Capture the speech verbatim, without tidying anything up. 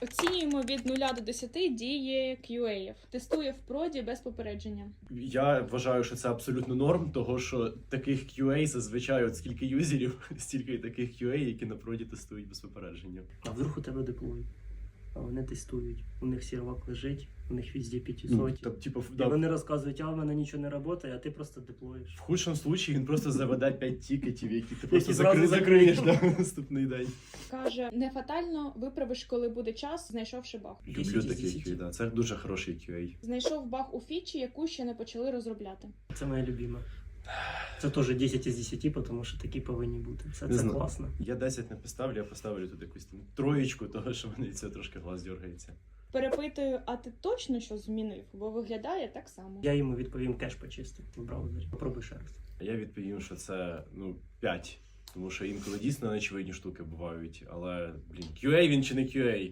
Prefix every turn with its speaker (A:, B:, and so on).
A: Оцінюємо від нуля до десяти дії кью ей. Тестує в проді без попередження.
B: Я вважаю, що це абсолютно норм, того що таких кью ей зазвичай от скільки юзерів, стільки і таких кью ей, які на проді тестують без попередження.
C: А вдруг у тебе деплой? А вони тестують. У них сервак лежить, у них везде
B: Ну,
C: п'ятисот.
B: так, типу,
C: І
B: да,
C: вони розказують, а в мене нічого не працює, а ти просто деплоїш.
B: в худшому случаї він просто заведе п'ять тікетів, які ти просто
C: зразу
B: закри... закриєш
C: закриєш.
B: да, наступний день.
A: Каже, не фатально виправиш, коли буде час, знайшовши баг.
B: Люблю
C: десять із
B: такий
C: десяти.
B: кью ей, да. Це дуже хороший кью ей.
A: Знайшов баг у фічі, яку ще не почали розробляти.
C: Це моя любима. Це теж десять із десяти, тому що такі повинні бути. Це,
B: Не
C: це
B: знаю.
C: класно.
B: Я десять не поставлю, я поставлю тут якусь там троєчку, того що мені це трошки глаз дергається.
A: Перепитую, а ти точно щось змінив? Бо виглядає так само.
C: Я йому відповім кеш почистив в браузері. Попробуй ще раз.
B: А я відповім, що це, ну, п'ять. Тому що інколи дійсно неочевидні штуки бувають, але, блін, кью ей він чи не кью ей?